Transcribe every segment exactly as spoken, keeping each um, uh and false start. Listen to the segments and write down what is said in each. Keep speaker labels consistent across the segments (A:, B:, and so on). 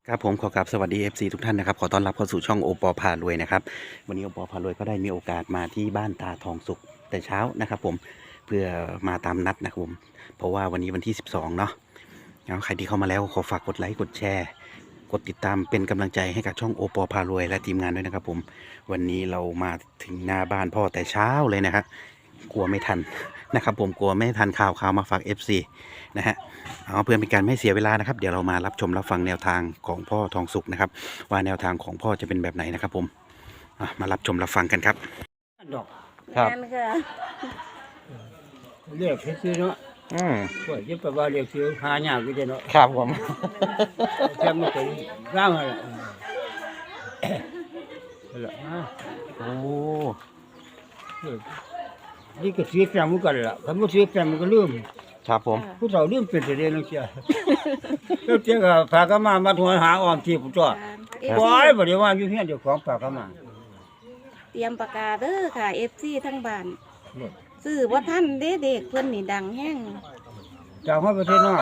A: ครับผมขอกราบสวัสดี เอฟ ซี ทุกท่านนะครับขอต้อนรับเข้าสู่ช่องโอปอพารวยนะครับวันนี้โอปอพารวยก็ได้มีโอกาสมาที่บ้านตาทองสุขแต่เช้านะครับผมเพื่อมาตามนัดนะครับผมเพราะว่าวันนี้วันที่สิบสองเนาะแล้วใครที่เข้ามาแล้วขอฝากกดไลค์กดแชร์กดติดตามเป็นกำลังใจให้กับช่องโอปอพารวยและทีมงานด้วยนะครับผมวันนี้เรามาถึงหน้าบ้านพ่อแต่เช้าเลยนะครับกลัวไม่ทันนะครับผมกลัวไม่ทันข่าวข่าวมาฝาก เอฟ ซี นะฮะเอาเพื่อเป็นการไม่เสียเวลานะครับเดี๋ยวเรามารับชมรับฟังแนวทางของพ่อทองสุขนะครับว่าแนวทางของพ่อจะเป็นแบบไหนนะครับผมมารับชมรับฟังกันครับ
B: ดอก
A: ครับ
B: เรียกซื้อเนาะ
A: อืม
B: ก็ยึดไปว่าเรียกซื้อหายากอยู่เนาะ
A: ครับผม
B: แค่ไม่เคยร่างอะไรละ
A: โอ้
B: นี่ก็ซื้อแฟมกันละคำว่าซื้อแฟมมันก็ลืม
A: ครับผม
B: ผู้สาวลืมเป็นเรื่องนึงเชียวแล้วเจ้าก็ฝากกันมามาทวนหาออมที่ผู้จ้าบอยบ่ได้ว่าอยู่เฮียนเจ้าของฝากกันมา
C: เตรียมปากกาเด้อค่ะ เอฟ ซี ทั้งบ้านซื้อบ่ทันเด้เด็กเพิ่นนี่ดังแฮง
B: จากฮอดประเทศนอก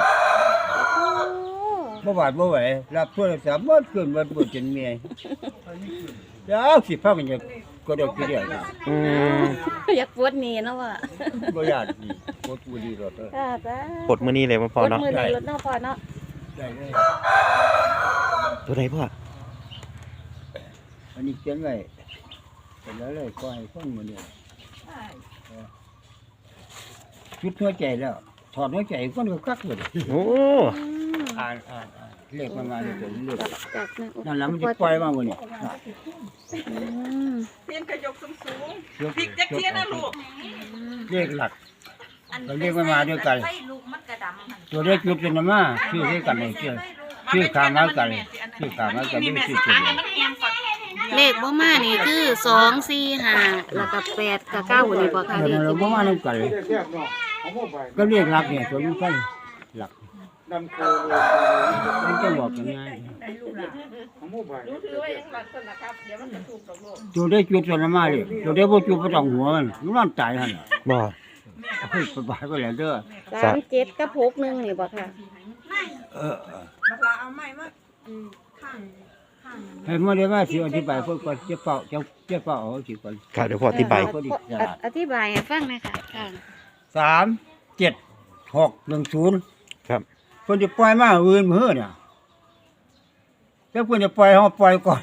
B: บ่บาดบ่ไหวรับโทรศัพท์บ่ขึ้นบ่บ่จนเมียเดี๋ยวสิพากันจะก็ดอกกี่เดียว
A: อืม
C: อยากปวดนี่เนาะว่า
B: บ่ญาติดีปวดบ่ดีรถเด้อ
C: ค่ะจ้า
A: ปวดมื้อนี้เลยบ่พอเนาะ
C: ปวดมื้อนี้รถเนาะพอเนาะ
B: ได้เลย
A: ตัวใดพ่อ
B: อันนี้เขียนไว้เป็นแล้วเลยก็ให้ฟังมื้อนี้ชุดหัวใจแล้วถอดหัวใจคนก็คักเลย
A: โอ้
B: อ่านอ่านเลขมันมาเลยตัวเลข
C: จาก
B: นั่นแล้วมันจะปล่อยมามื้อนี้
D: เทียนกระยกสูงสูงพริกจักเทียนนะลูก
B: เลขหลักเราเลขมันมาด้วยกันตัวเลขจุดเป็นมาชื่อให้กันเลยชื่อชื่อขามมากันชื่อขามมากันไม่ชื่อตัว
C: เลขบ่มานี่คือสอง สี่ ห้าแล้วก็แปดกับเก้านี่บ่ค่ะเลข
B: บ่มานํกันก็เลขหลักเนี่ยตัวนี้กันหลักมันจะบอกยังไงตัวได้จุดส่วนมาเลยตัวได้บ่จุดบ่ต้องหัวมันมันนอนตายหั่น
A: บ่
B: เฮ้ยสบายก็แล้วเด้อ
C: สามเจ็ดกับหกหนึ่งนี่บ่ค่ะ
B: เออบักลาเอาไม้มาข้างข้างให้มาได้ว่าสิอธิบายเพิ่นก่อนจะเป่าจะจะเป่าเอาสิก่อน
A: ครับเดี๋ยวพ่ออธิบาย
C: อธิบายให้ฟังหน่อยค่ะค่ะ
B: สาม เจ็ด หก หนึ่ง ศูนย์
A: ครับ
B: เพิ่นจะปล่อยมาอื่นมื้อเนี่ยแต่เพิ่นจะปล่อยเฮาปล่อยก่อน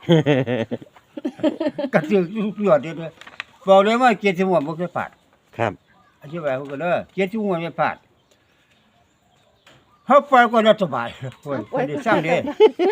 B: กระตือรือร้นเด้อบอกเลยว่าเจ็ดสิบหัวบ่เคยพลาด
A: ครับ
B: อธิบายเพิ่นก็เด้อเจ็ดสิบหัวไม่พลาดเฮาปล่อยก่อนแล้วสบายเพิ่นเพิ่นได้สร้างเด้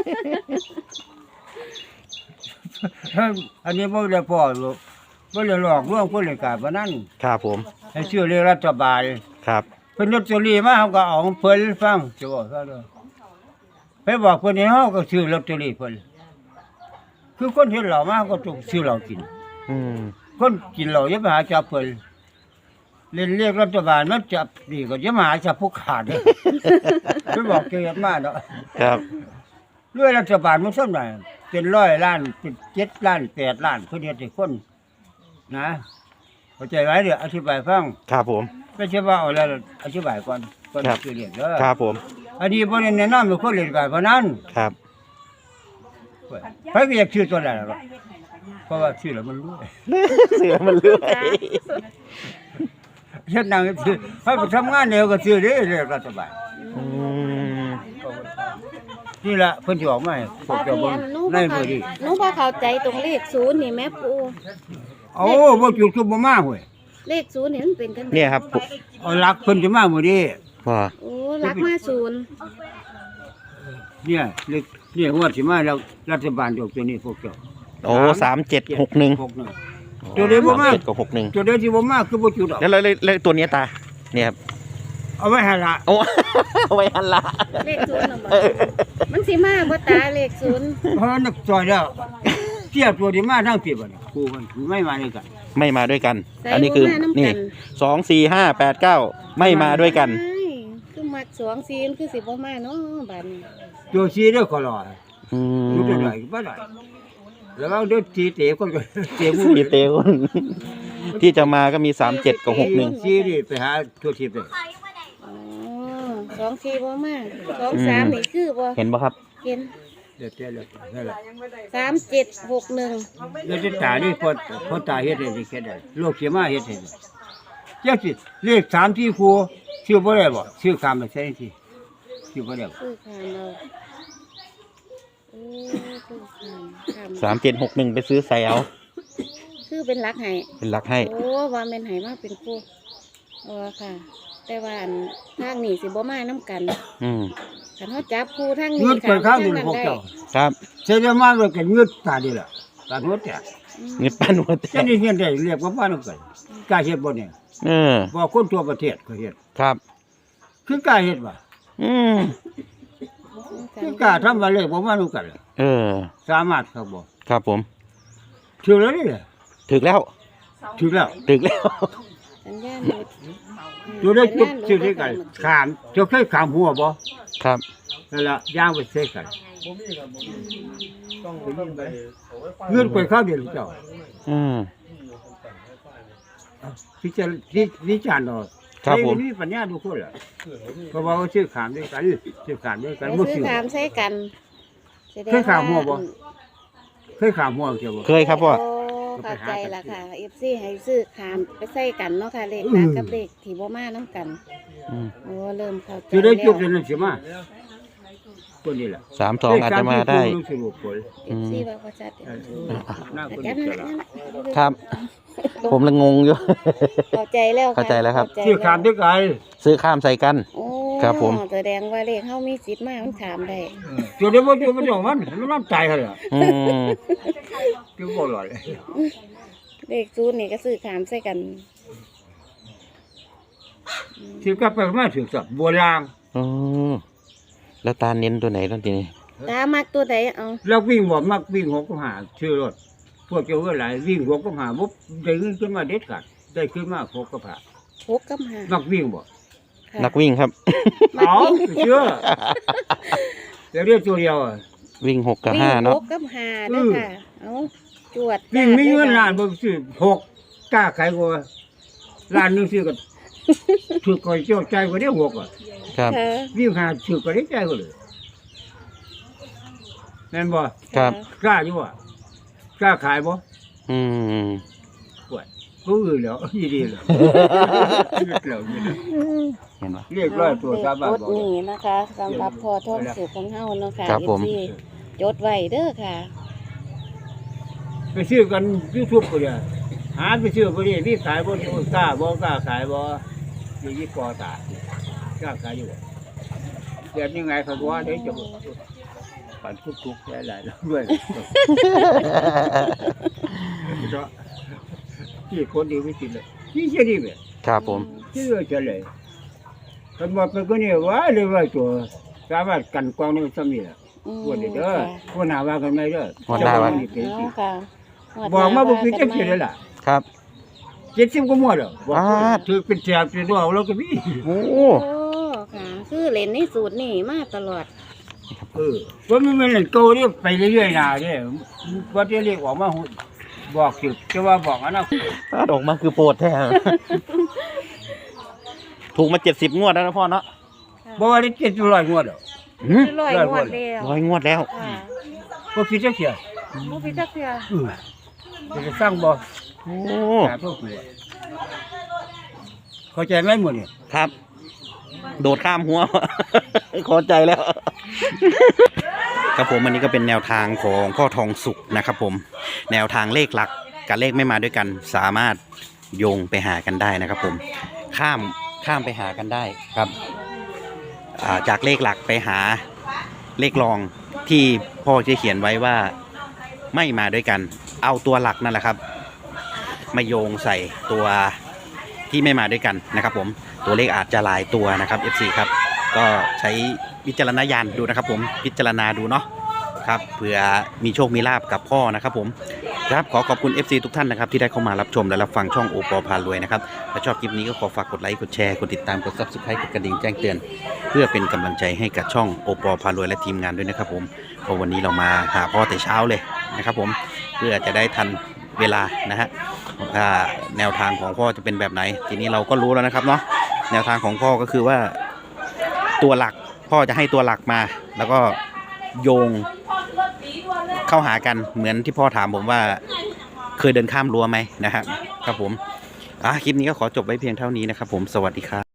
B: อันนี้บ่ได้พอหรอกบ่ได้หลอกลวงคนเลยกาบ่นั้น
A: ครับผม
B: ให้ชื่อเรียกรัฐบาล
A: ครับ
B: เพิ่นลอตเตอรี่มาเฮาก็เอาเพิ่นฟังสิบอกซะเด้อไปบอกเพิ่นให้เฮาก็ซื้อลอตเตอรี่เพิ่นคือคนเห็นเหล้ามาก็ต้องซื้อเหล้ากิน
A: อืม
B: คนกินเหล้าอย่าไปหาจับเพิ่นเล่นเรียกรัฐบาลมันจับนี่ก็อย่ามาหาจับผู้ขาดเด้อเพิ่นบอกเกิดมาเนาะ
A: ครับ
B: รวยรัฐบาลมันซั่นน่ะเป็นร้อยล้านเป็นเจ็ดล้านแปดล้านเพิ่นเฮ็ดให้คนนะเข้าใจไว้เด้ออธิบายฟัง
A: ครับผม
B: ไม่ใช่ว่าเอาแล้วอธิบายก่อนก่อนสิเรียนเด้อ
A: ครับผม
B: อันนี้บ่ได้แนะนำให้คนเล่นการพนัน
A: ครับ
B: ไผก็อยากซื้อตัวนั้นล่ะเพราะว่าซื้อแล้วมันรวย
A: ซื้อมันรวย
B: เฮ็ดหนังซื้อเฮาไปทำงานเดียวก็ซื้อเด้เรียกรัฐบาล
A: อืม
B: นี่ล่ะเพิ่นสิออกมาให้พวกเจ้าเบิ่งในมื้อนี้
C: หนูบ่เข้าใจตรงเลขศูนย์นี่แม่ปู่
B: โอ้บ่จุดคือบ่มาเว้ย
C: เลขศูนย์นี่มันเป็นจังได๋
A: เนี่ยครับ
B: เอาหลักเพิ่นสิมามื้อนี้
A: พ่อ
C: โอ้หลักมาศูนย์
B: เนี่ยเลขเนี่ยงวดสิมาแล้วรัฐบาลยกตัวนี้พวกเจ้า
A: โอ้สาม เจ็ด หก หนึ่ง
B: ตัวเดียวบ่มา
A: กับหก หนึ่ง
B: ตัวเดียวสิบ่มาคือบ่จุดดอก
A: แล้วแล้วตัวนี้ตาเนี่ยครับ
B: เอาไว้หั่นล่ะ
A: โอ้เอาไว้หั่นล่ะ
C: เลขศูนย์น่ะบ่มันสิมาบ่ตาเลขศูนย์
B: เพราะนักซอยแล้วเทียบตัวที่มาทั้งปีบ่เนี่ยครูมันไม่มาด้วยกัน
A: ไม่มาด้วยกันอันนี้คือนี่สอง สี่ ห้า แปด เก้าไม่มาด้วยกัน
C: คือมักสอง สี่คือสิบ่มาเนาะบัดนี้
B: ตัวสี่เด้อขอรอ
A: อืม
B: อยู่ได้บ่ได้แล้วเอาเด้อทีเตะคนก็เตะผู้
A: ทีเตะคนที่จะมาก็มีสาม เจ็ดกับหก หนึ่ง
B: สี่นี่ไปหาทั่วทิพย์เลย
C: อ๋อสอง สี่บ่มาสอง สามนี่คือบ่
A: เห็นบ่ครับ
C: เห็น
B: เดี๋ยวเดี๋ยวนั่นแหละ
C: สามเจ็ดหกหนึ่ง
B: เดี๋ยวจะตานี่พอพอตาเฮ็ดให้ได้แค่ได้โลกเสียมาเฮ็ดให้ได้เจ้าสิเลขสามที่ครูชื่อบ่ได้บ่ชื่อคำไปใช่ที่ชื่อบ่ได้บ่
C: ซื้อขามเราโอ้ซื้อขามขาม
A: สามเจ็ดหกหนึ่งไปซื้อใส่เอา
C: ซื้อเป็นรักให้
A: เป็นหลักให้
C: โอ้ว่าแม่นให้มาเป็นคู่โอ้ค่ะ แต่ว่าอันทางนี้สิบ่มาน้ำกัน
A: อืม
C: คันเฮาจับคู่ทางนี้
B: เงืดไปข้าง
C: ท
B: นึง
C: นั้น
B: พวก
C: ได้
B: เจ้า
A: ครับ
B: เสียมาเลยกันเงืดตาดีล่ะตาหัวแตก
C: อืม
A: เงินปั้นหัวแต
B: เจ้า
A: ก
B: นี่เฮ็ดได้เรียกว่าบ้านนำกันกล้าเฮ็ดบ่เนี่ย
A: เออ
B: บ่คนทั่วประเทศก็เฮ็ด
A: ครับ
B: คือกล้าเฮ็ดบ่
A: อืม
B: คือกล้าทำว่าเลขบ่มานํกันล่ะ
A: เออ
B: สามารถครับบ่
A: ครับผม
B: ถือแล้วนี่แหละ
A: ถึกแล้ว
B: ถือแล้ว
A: ถึกแล้ว
C: สัญญาณหลุด
B: อยู่ได้จุดชื่อที่กันขามเจ้าเคยขามหัวบ่
A: ครับ
B: นั่นล่ะย่างไปเสกกันเงินไปข้าวเดียวเจ้า
A: อืม
B: พิจารณาวิจารณ์เอา
A: ครับผม
B: ใมีปัญญาทุกคนล่ะเพราะว่าเขาชื่อขามด้วยกันชื่อขามด้วยกัน
C: ไป
B: บ่
C: ซื้อ
B: ชื่อ
C: ขามใส่กันแสดง
B: เคยขามหัวบ่ เคยขามหัวเจ้าบ่
A: เคยครับพ่อ
C: โเข้าใจละค่ะ เอฟ ซี ให้ซื้อขามไปใส่กันเนาะค่ะเลข
B: อื
C: ตาม
B: ม
C: กับเลขที่บ่มาน้ำกัน
A: อืม
C: โอ้เริ่มเข้าใจ
B: สิได้จุก
C: แล้
B: เดื
C: ว
B: อนนั้นสิมาตัวนี้แหละ
A: สามสองอาจจะมาได้
B: เลขสที่คู่สรุปผล
C: เอฟซีว่าเขาจัด
B: เออหน้าคน
C: จั
B: นี้
C: ด
B: จะ
C: นั่น
B: ละ
C: นั่น
A: ครับ ผมละงงอยู่
C: เข้าใจแล้วะ
A: เข้าใจแล้วครับ
C: เข้ใจ
B: ชื่อขามด้วยกัน
A: ซื้อข้ามใส่กัน
C: โอ้
A: ครับผม
C: แสดงว่าเลขเฮามีสิทธิ์มามันขามได้
B: ตัวเดียวบ่ตัวบ่ดอกมันมันน้ำใจเขาเลย
A: อืม
B: คือบ่หลอย
C: เลขศูนย์นี่ก็ซื้อขามใส่กัน
B: ถือกลับไปมาถือสับบัวลาง
A: อืมแล้วตาเน้นตัวไหนตอนทีนี้
C: ตามักตัวใดเอา
B: แล้ววิ่งบ่มักวิ่งหกก็หาชื่อรถพวกเจ้าก็หลายวิ่งหกก็หาบ่ได้เงินขึ้นมาเด็ดขาดได้ขึ้นมาหกก็ผ่า
C: หกกับห้า
B: มักวิ่งบ่
C: ค่ะ
A: นักวิ่งครับ
C: มัก
B: เอา
C: วิ่ง
B: เชื่อเดี๋ยวเรียกตัวเดียวอะ
A: วิ่งหกกับ
C: วิ่ง
A: ห้า
C: ห
A: เนาะ
C: กกับห้าเด้อค่ะ เอาจวด
B: วิ่งมีเงิน
C: จ้
B: ล้านบ่ซื้อหกกล้าขายกว่าล้านหนึงซื้อก็ถือก็เจ้าใจกว่าได้หกอ่ะ
A: ครับ
C: ค่ะ
B: วิ่งหาถือก็ได้ใจกว่าเลยแม่นบ่
A: ครับ
B: กล้าอยู่บ่กล้าขายบ่
A: อืม
B: ปวดผู้อื่นแล้วยี่ดีแล้วเรียกแล้วนี่นะ
A: เห็นปะ
B: เรียกร้อยตัวสามบาท
C: จด
B: บอก
C: นี่นะคะสำหรับพอท่องสูตรของเฮาเนาะค่ะ
A: ครับผม
C: เอฟซีจดไว้เด้อค่ะ
B: ไปซื้อกันยูทูบก็ได้หาไปซื้อบ่ได้มีขายบ่กล้าบ่กล้าขายบ่อยู่ที่กอตากล้าขายอยู่บ่เดี๋ยวยังไงเขาบอกว่าเดี๋ยวจะบ่ปันทุกๆหลายๆแล้วด้วยเพราะที่คนดีไม่ติดเลยที่เสียดีแบบ
A: ครับผม
B: ที่เหลือเฉลยคนบอกเป็นคนนี้ว่าเลยว่าตัวสามารถกันกองนี่ซ้ำนี่แหละ
C: อืม
B: วันนี้เด้อ
C: ค่ะ
B: คนหาว่ากันไม่เด้อ
A: วันหน้าว่า
B: เจ้นี่เป็น
C: เอา
B: สิ
C: ค่ะ
B: บอกมาบ่คือจัก
C: เ
B: สิเลยล่ะ
A: ครับ
B: เจ็ดสิบก็หมดแล้วบอก
A: อ่า
B: ถือเป็นแถบเป็นดอกแล้วก็มี
A: โอ้
C: โอ้ค่ะ คือเล่นในสูตรนี่มาตลอด
B: เออว่ามันมันเล่นโตนี่ไปเรื่อยๆน่ะเด้ว่าจะเรียกออกมาหุ่นบอกสิจะว่าบอกอันนั้น
A: ถ้าออกมาคือโปรดแท้ ถูกมาเจ็ดสิบงวดแล้วนะพ่อเนาะ
B: บ่ว่าได้เจ็ดร้อยงวดดอก
A: หืม
C: ร้อยงวดแล้ว
A: ร้อยงวดแล้ว
C: ค่ะ
B: บ่คิดจักเสีย
C: บ่พิจักเทื่อ
B: เออจะสร้างบ่
A: โอ้
B: หาพวกกูอะเข้าใจไหมหมดนี่
A: ครับ โดดข้ามหัว เข้าใจแล้ว ครับผมอันนี้ก็เป็นแนวทางของพ่อทองสุกนะครับผม แนวทางเลขหลักกับเลขไม่มาด้วยกัน สามารถโยงไปหากันได้นะครับผม ข้ามข้ามไปหากันได้ครับอ่าจากเลขหลักไปหาเลขรองที่พ่อจะเขียนไว้ว่าไม่มาด้วยกัน เอาตัวหลักนั่นแหละครับ มาโยงใส่ตัวที่ไม่มาด้วยกันนะครับผมตัวเลขอาจจะหลายตัวนะครับ เอฟ ซี ครับก็ใช้วิจารณญาณดูนะครับผมพิจารณาดูเนาะครับเผื่อมีโชคมีลาบกับพ่อนะครับผมครับขอขอบคุณ เอฟ ซี ทุกท่านนะครับที่ได้เข้ามารับชมและรับฟังช่องโอปอพารวยนะครับถ้าชอบคลิปนี้ก็ขอฝากกดไลค์กดแชร์กดติดตามกด ซับสไครบ์ กดกระดิ่งแจ้งเตือนเพื่อเป็นกำลังใจให้กับช่องโอปอพารวยและทีมงานด้วยนะครับผมเพราะวันนี้เรามาหาพ่อแต่เช้าเลยนะครับผมเพื่อจะได้ทันเวลานะฮะแนวทางของพ่อจะเป็นแบบไหนทีนี้เราก็รู้แล้วนะครับเนาะแนวทางของพ่อก็คือว่าตัวหลักพ่อจะให้ตัวหลักมา แล้วก็โยงเข้าหากันเหมือนที่พ่อถามผมว่าเคยเดินข้ามรั้วไหมนะครับครับผมอ่ะคลิปนี้ก็ขอจบไว้เพียงเท่านี้นะครับผมสวัสดีครับ